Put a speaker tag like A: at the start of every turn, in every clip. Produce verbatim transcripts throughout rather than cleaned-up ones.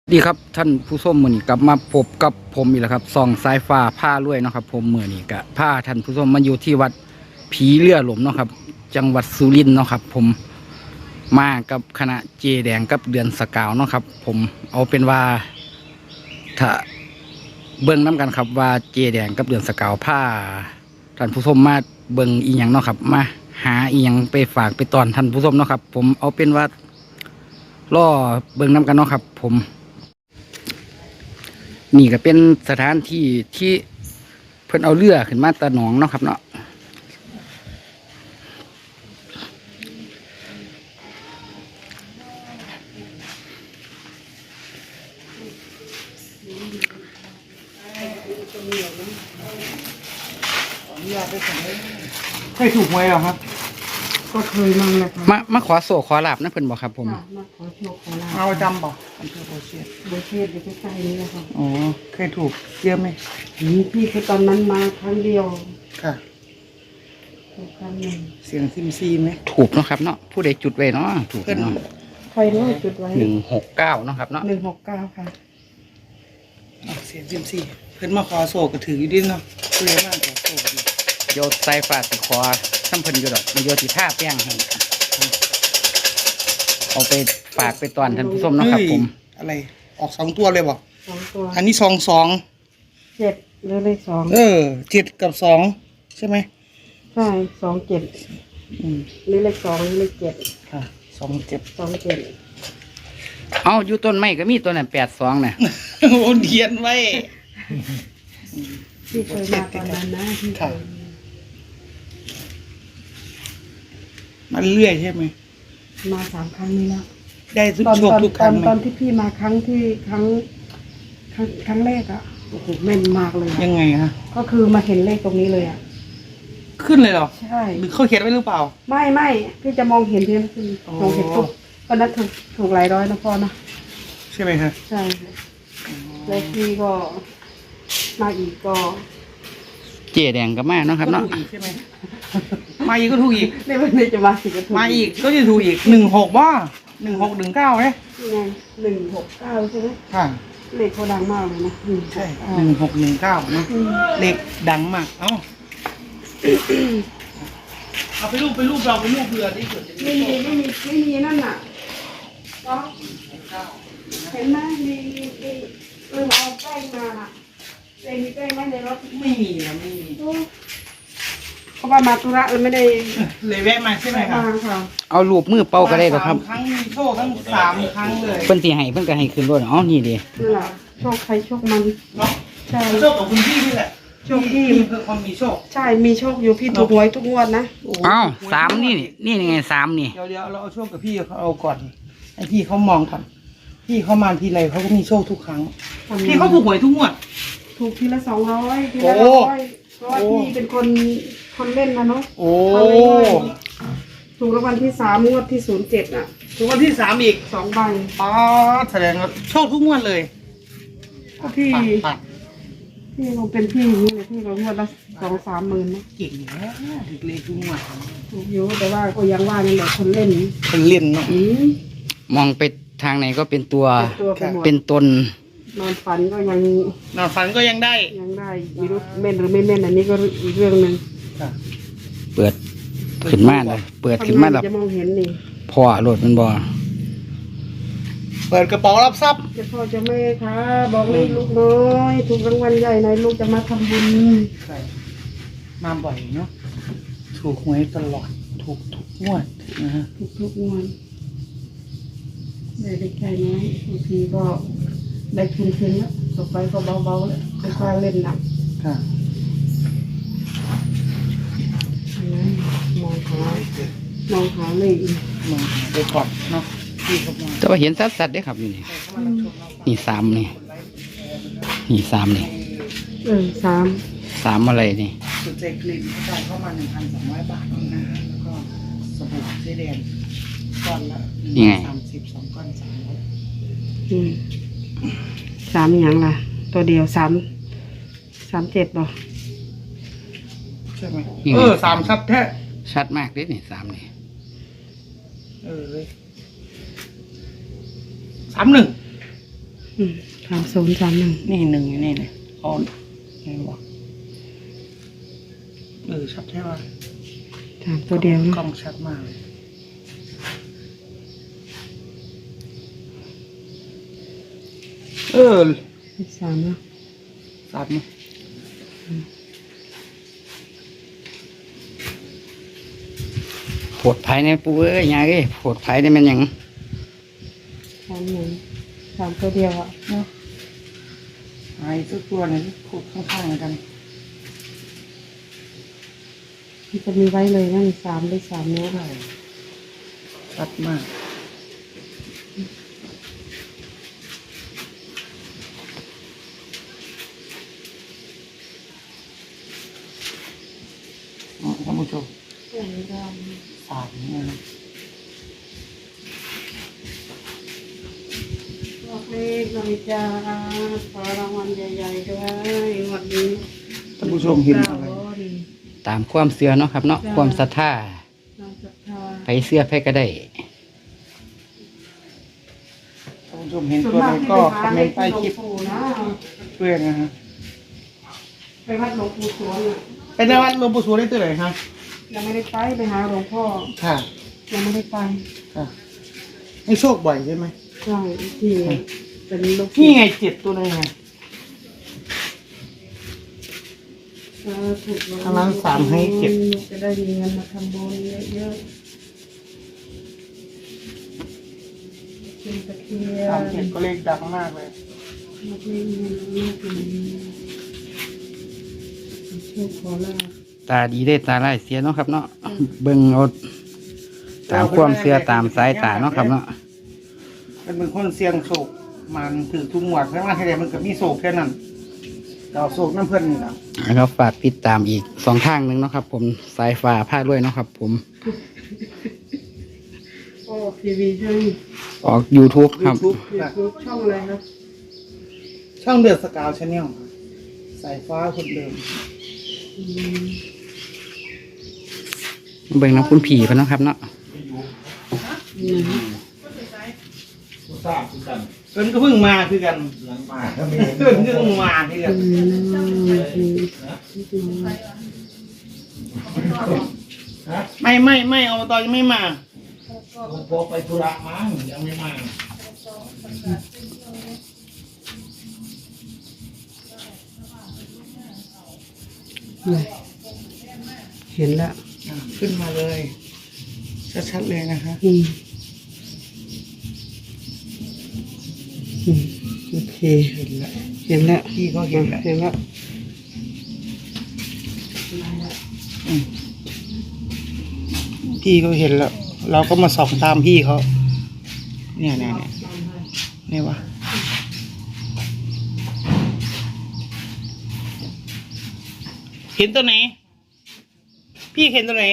A: ดีครับท่านผู้ชมมื้อนี้กลับมาพบกับผมอีกแล้วครับส่องสายฟ้าผ้ารวยเนาะครับผมมื้อนี้ก็ผ้าท่านผู้ชมมาอยู่ที่วัดผีเรือหลมเนาะครับจังหวัดสุรินทร์เนาะครับผมมากับคณะเจแดงกับเดือนสกาวเนาะครับผมเอาเป็นว่าถ้าเบิ่งน้กันครับว่าเจแดงกับเดือนสกาวผ้าท่านผู้ชมมาเบิ่งอีหยังเนาะครับมาหาอีหยังไปฝากไปตอนท่านผู้ชมเนาะครับผมเอาเป็นว่าล่อเบิ่งน้กันเนาะครับผมนี่ก็เป็นสถานที่ที่เพิ่นเอาเรือขึ้นมาตะหนองเนาะครับเนาะ
B: เคยถูกหวยเหรอครับ
C: ก็เคยมั่งนะครับ
A: มามาขอโศกขอลาบนะเพิ่นบอกครับผม
C: มาขอโชคขอลาภ
B: เอาจำบอกอำเภอโพเชียด
C: โบเชตอยู่ใกล้ๆนี้นะครับ
B: อ๋อเคยถูกเยอะไหม
C: นี่พี่คือตอนนั้นมาครั้งเดียว
B: ค่ะ
C: ถูกครั้งหนึ่ง
B: เสียงซิมซีไหม
A: ถูกเนาะครับเนาะผู้ใดจุดไว้เนาะถูกเนาะ
C: ใครรู้จุดไว้
A: หนึ่งหกเก้าเนาะครับเนาะ
C: หนึ่งหกเก้าค่ะ
B: อ๋อเสียงซิมซีเพิ่นมาขอโศกก็ถืออยู่ดิเนาะเพื่อมากขอโศกดี
A: โยนใส่ฝาสิขอซ้ำเพิ่นอยู่ดอกโยนสิท่าแป้งให้ครับเอาไปฝากไปตอนท่านผู้ชมเนาะครับผม
B: เฮ้ยอะไรออกสองตัวเลยบอก
C: สองตัว
B: อันนี้สองสอง
C: เจ็ดหรือเลขสอง
B: เออเจ็ดกับสองใช่ไหม
C: ใช่สองเจ็ด
B: อืม
C: หรือเลขสองหรือเลขเจ็ด
B: ค่ะสองเจ็ด
C: สองเจ็ด
A: เอาอยู่ต้นไม้ก็มีตัวนั้นแปดสองน่ะ
B: โอ้เขียนไว้
C: ที่เคยมาตอนนั้นนะที่เค
B: ค่ะ
C: ย
B: มาเรื่อยใช่ไหม
C: มาสามครั้งนี้แล้ว
B: ได้ทุก
C: ตอน
B: โชค
C: ตอน
B: ทุกค
C: ตอ
B: รั้
C: น
B: งไหม
C: ตอนที่พี่มาครั้งที่ครั้งครั้งครั้งแรกอ่ะโอ้โหแม่นมากเลยอะ
B: ยังไงฮะ
C: ก็คือมาเห็นเลขตรงนี้เลยอ่ะ
B: ขึ้นเลยเหรอ
C: ใช่
B: หรือเขาเขียนไว้หรือเปล่า
C: ไม่ไม่พี่จะมองเห็นทีนั้นคือ
B: อ๋อ
C: มองเห็นปุ๊บก็นัดถูกถูกหลายร้อยนะพ่อนะ
B: ใช่ไหมคะ
C: ใช่แล้วพี่ก็มาอีกก็
A: เจแดงก็มาเนาะครับ
B: ก็
A: เนาะ
B: ถูกอีกใช่ไหมมาอีกก็ถูกอีก
C: ในวันนี้จะมาสิก็ถูก
B: มาอีกก็จะถูกอีกหนึ่งหกว่าหนึ่งหกหนึ่งเก้าเนี่ย
C: นี่ไงหนึ่งหกเก้าใช่ไหม
B: ค่ะ
C: เลขเขาดังมากเลยนะหนึ่งหก
B: ใช่
C: เก้า
B: หนึ่งหกหนึ่งเก้านะ
C: อืม
B: เลขดังมากเอ้าเอาไปรูปไปรูปเราไปรูปเรือที่สุด
C: ไม่มีไม่มีไม่มีนั่นน่ะก็เห็นไหมมีมีมีเออเอาแป้งมาน่ะเองมีแป้งไหมในรถ
B: ไม่มีนะไม่มี
C: เพราะว่ามาธุระเออไม่ได้
B: เลยแวะมาใช่ไหมคะ
C: มาค่ะ
A: เอารูปมือเป่าก็ได้หรอกครับ
B: สามครั้งมีโชคทั้งสามครั้งเลย
A: เพิ่นสิให้เพิ่นก็ให้ขึ้นรถอ๋อนี่ดิ
C: นั่นแหละโชคใครโชคมัน
B: เนาะ
C: ใช่
B: โชคของคุณพี่นี่แหละ
C: โชคพี่
B: พี่คือคนมีโชค
C: ใช่มีโชคอยู่พี่ถูกหวยทุกงวดนะ
B: โอ้โห
A: เอ้าสามนี่นี่นี่ไงสามนี่
B: เดี๋ยวเดี๋ยวเราเอาโชคกับพี่เขาเอาก่อนให้พี่เขามองก่อนพี่เขามาทีไรเขาก็มีโชคทุกครั้ง พี่เขาถูกหวยทุกงวด
C: ถูกทีละสองร้อยทีละ
B: โอ้
C: ร้อยเพราะว่า
B: โอ้
C: พี่เป็นคนคนเล่นนะเนาะ
B: โอ้
C: เอาไว้ด้วยถูกรางวัลที่สามงวดที่ศูนย์เจ็ดอ่ะ
B: ถูกวันที่สามอีก
C: สองใบ
B: อ๋อแสดงว่าโชคทุกงวดเลย
C: ก็พี่
B: ปัดปัด
C: พี่คงเป็นพี่อย่างนี้เลยพี่ก็งวดละสองสามหมื่นนะ
B: เก่งอยู่แล้วถึงเลขทุกงวด
C: ถูกอยู่แต่ว่าก็ยังว่านี่แหละคนเล่น
B: เป็นเล่นเนาะ
C: อืม
A: มองไปทางไหนก็เป็นตัว
C: เป็นตัวไปหมด
A: เป็นตน
C: นอนฝันก็ยัง
B: นอนฝันก็ยังได้
C: ยังได้ไม่รู้แม่นหรือไม่แม่นอันนี้ก็อีกเรื่องหนึ่ง
B: ค่ะ
A: เปิดขึ้นมาเลยเปิดขึ้นมาแล้ว
C: จะมองเห็นนี่
A: พ่อรถมันบ่
B: เปิดกระเป๋ารับทรัพย์
C: เจะพ่อเจะแม่ค่ะบอกเลยลูกน้อยถูกรางวัลใหญ่หน่อยลูกจะมาทำบุญ
B: ใช่มาบ่อยเนาะถูกหวยตลอดถูกทุกงวดนะฮะ
C: ทุกทุกๆงวดได้ได้แค่น้อยบางทีก็ได้คืนคืนแล้วต่อไปก็เบาๆแล้วไม่กล้าเล่นหนัก
B: ค่ะ
C: อันนั้นมองหามองหาเลยอีก
B: มองหาไปก่อนเนาะพี่เขามอง
A: แต่ว่าเห็นชัดๆเด้ครับอยู่นี่นี่สามนี่นี่สามนี่
C: เออสาม
A: สามอะไรนี่
B: สุดใจกลิ่นเขาจ่ายเข้ามาหนึ่งพันสองร้อยบาทนะฮะแล้วก็สบู่เจแดงก้อนละหนึ่งสามสิบสองก้อนสามร้อย
C: อืมสามอย่างล่ะ ตัวเดียวสามสามเจ็ดบ่
B: ใช่ไหม
A: นี่ไง
B: เออสามชัดแท้
A: ชัดมากเด้นี่สามนี่
B: เออเลยสามหนึ่ง
C: อืมสามศูนย์สามหนึ่ง
B: นี่หนึ่งอยู่นี่เลยเอาไงบอกเออชัดใช่ป่ะ
C: สามตัวเดียว
B: กล้
C: นะ
B: องชัดมากเลย เออ
C: สามนะ
B: สามนี่
A: โผดไผ่ในปูเอ้ยยายเอ้ยโผดไผ่ได้แมันหยัง
C: สามหนึ่งสามตัวเดียวอ่ะ
B: เนาะไอ้ตัวตัวนี้พูดข้างๆกัน
C: มันจะมีไว้เลยนั่นสามได้สามเนี้ย
B: ใช่ชัดมากอ๋อท่านผู้ชม
C: อย่างนี้ก็
B: สามนี่นะ
C: บอกเลขหน่อยจ้าขอรางวัลใหญ่ๆด้วยงวันนี้
B: ท่านผู้ชมเห็นอะไร
A: ตามความเชื่อเนาะครับเนาะความศรัทธา
C: เราศรัทธา
A: ไผเชื่อไผก็ได้
B: ท่านผู้ชมเห็น
C: ส่วน
B: ตัว
C: มา
B: ไห
C: ก
B: น
C: ที่
B: ก็
C: ไป
B: คอ
C: หาม
B: เม
C: เล
B: น
C: ข
B: ต์ใต้
C: ที่หลว
B: คลิ
C: ง
B: ป
C: ปู่นะ
B: ด้วยนะฮะ
C: ไปวัดหลวงปู่สวงอ่ะ
B: ไปในวัดหลวงปู่สวงได้ตัวไหนครับ
C: ยังไม่ได้ไปไปหาหลวงพ่อ
B: ค่ะ
C: ยังไม่ได้ไป
B: ค่ะให้โชคบ่อยใช่ไหม
C: ใช่ที่เป็นลูก
B: นี่ไงเจ็ดตัวนึงไง
C: เออถูก
B: ทางร้านสามให้เจ็ด
C: จะได้มีเงินมาทำบุญเยอะๆเป็นตะเคีย
B: สาม
C: น
B: เจ็ดก็เลขดังมากเลย
C: มาที่เงินมาถึงโชคขอลาภ
A: ตาดีได้ตาไร้ายเสียเนาะครับเนาะเบิ่งเอาตามความเชื่อตามสายตาเนาะครับเนาะ
B: มันเป็นคนเสี่ยงโศกมันถือทุกหมวดเพราะว่าที่ใดมันก็มีโศกแค่นั้นเราโศกน้ำเพื่อนนี่นะ
A: แล้วฝากติดตามอีกสองทางหนึ่งเนาะครับ ผมสายฟ้าผ้าด้วยเนาะครับ ผม
C: โอ้ทีวีช่อง
A: ออก YouTube ครับ
B: ยูทูบ
C: ยูทูบช่องอะไรครับ
B: ช่องเดือดสกาวชาแนลสายฟ้าคนเดิม
C: อืม
A: เบิ่งน้ำคุณผีไปเนาะครับเนาะ
C: อืม
B: เพิ่นก็เพิ่งมาคือกันเพิ่นก็เพิ่งมาคือกัน
C: อืมอืม
B: ไม่ไม่ไม่เอาตอนยังไม่มา
D: พอไปธุระมั้งยังไม่มา
C: เลยเห็นแล้ว
B: อ่ะขึ้นมาเลยชัดๆเลยนะคะ
C: อืมอืมโอเค
B: เห็นแล้ว
C: เห็นแล้ว
B: พี่ก็เห็นแล้ว
C: เห็นแล้ว
B: อืมพี่ก็เห็นแล้ว เราก็มาส่องตามพี่เขาเนี่ยเนี่ยเนี่ยเนี่ยวะเห็นตัวไหน พี่เห็นตัวไหน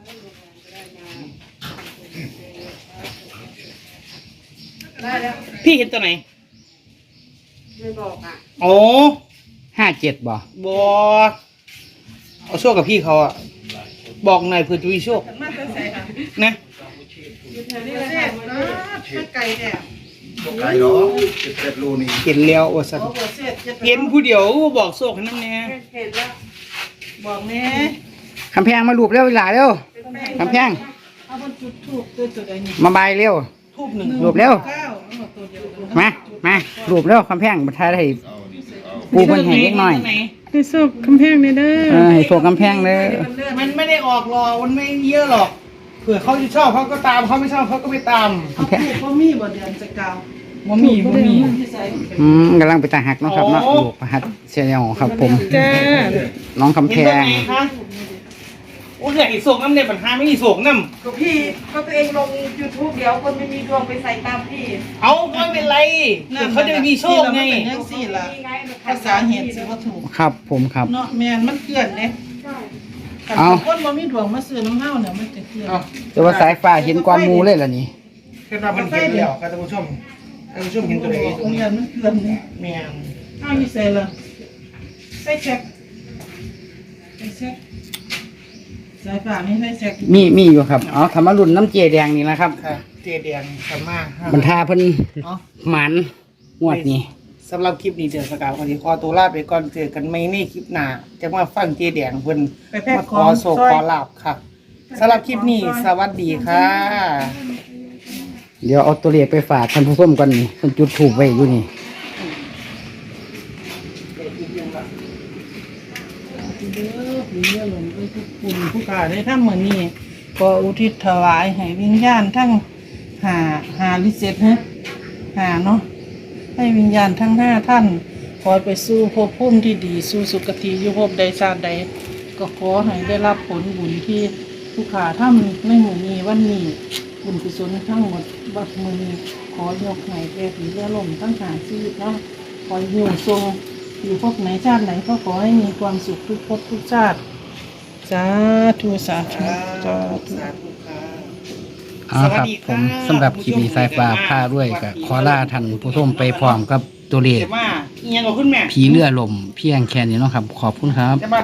C: ได้แล้ว
B: พี่เห็นตัวไหน
C: ไม่บอกอ่ะ
B: โอ้
A: ห้าเจ็ดบ่
B: บอเอาโชคกับพี่เขาอะบอกหน่อยเผื่อจะมีโชค
C: มาเป็นใส่ค่ะ
B: นะ
C: นี่แหละค่ะมันไก่เนี่ย
D: ไกลเนาะสิบเอ็ดรูนี่
B: เห็นแล้วว่าสัน
C: บอกว่าเสร็จจะ
B: เห็นผู้เดียวก็บอกโชคให้น้ำแน่
C: เห็นแล้วบอกแม่
A: คำแพงมาลูบเร็วเวลาเร็วคำแพง
C: เอาบนจุดถูกตัวจุดอะไรนี่
A: มาบายเร็ว
B: ทูบหนึ่ง
A: ลูบเร็ว
C: เก้าเอาตัวเดียวกัน
A: มามาลูบเร็วคำแพงบัทายได้ปูเพิ่นให้เล็กน้อย
C: ให้สุกคำแพงเลยเด้อ
A: เออให้โชคกำแพงเลย
B: มันไม่ได้ออกหรอกมันไม่เยอะหรอกเผื่อเขาจะชอบเขาก็ตามเขาไม่ชอบเขาก็ไม่ตาม
A: คำแพง
C: พ่อมีบ่เดือนจะกาว
B: ว่ามีว่ามี
A: อืมกำลังไปตาหักเนาะครับเนาะลูกประหัดเชียร์ครับ ผม
C: จ้า
A: น้องคำแพ
B: เห็นตัว
A: ง
B: ไหนคะโอ้ยไอ้โศกน้ำเนี่ยปัญหาไม่มีโศกน้
C: ก็พี่ก็ตัวเองลง YouTube เดี๋ยวคนไม่มีดวงไปใส่ตามพี่
B: ำเอาก็ไม่เป็นไรเผื่อเขาจะมีโชคไง
E: ยังสี่ละภาษาเหตุสิว่าถูก
A: ครับผมครับ
E: เนาะแม่นมันเกลื่อนเนี่ย
C: ใช่
E: ขัน
A: เอา
E: คนบ่มีดวงมาซื้อน้ำเห้าเนี่ยมันจะเกลื่อน
B: เอา
A: แต่ว่าสายฟ้าเห็นกวนหมูเลยล่ะนี่
B: คือเรามันเห็นแล้วครับท่านผู้ชมท่านผู้ชมเห็นตัวไหน
E: โรงเรียนมันเกลื่อนเนี่ย
B: แม่ง
E: อ้าวมีใส่ละใส่แช็คใส่แช็คสายฝ่าไม่ใส่แช็ค
A: มีมีอยู่ครับอ๋อธรรมรุ่นน้ำเจแดงนี่แหละครับ
B: ค่ะเจแดงขมา
A: บรรทาเพิ่น
B: เนาะ
A: หมันงวดนี้
B: สำหรับคลิปนี้เดือนสกาววันนี้ขอตัวลาไปก่อนเจอกันไม่ในคลิปหน้าจะมาฟังเจแดงเพิ่น
E: ไปแพ็ค
B: มา
E: ข
B: ข
E: อ
B: อง โศก
E: ซอย
B: ขอลาบค่ะสำหรับคลิปนี้สวัสดีค่ะ
A: เดี๋ยวเอาตัวเลขไปฝากท่านผู้ชมกันนี่เพิ่นจุดถูกไว้อยู่นี่
E: เด้อผีเรือหลงไปทุกคุณผู้ขาได้ทำเหมือนนี้ก็อุทิศถวายให้วิญญาณทั้งหาหาลิเซตฮะหาเนาะให้วิญญาณทั้งห้าท่านขอไปสู่ภพภูมิที่ดีสู่สุคติอยู่ภพใดชาติใดก็ขอให้ได้รับผลบุญที่ผู้ขาทำในหมู่นี้วันนี้บุญกุศลทั้งหมดบัดมือนี้ขอยกให้แก่ผีเรือลมทั้งหาชีวิตเนาะขออยู่ทรงอยู่ภพไหนชาติไหนก็ขอให้มีความสุขทุกภพทุกชาติสาธุสาธุสาธุ
B: สาธุค่ะ
A: เอาครับผมสำหรับคลิปนี้สายฟ้าผ้าด้วยก็ขอลาท่านผู้ชมไปพร้อมกับตัวเลข
B: เดี๋ยวมาเอียงกับคุณแม่
A: ผีเรือลมเพียงแค่นี้เนาะครับ ขอบคุณครับ
B: จะมา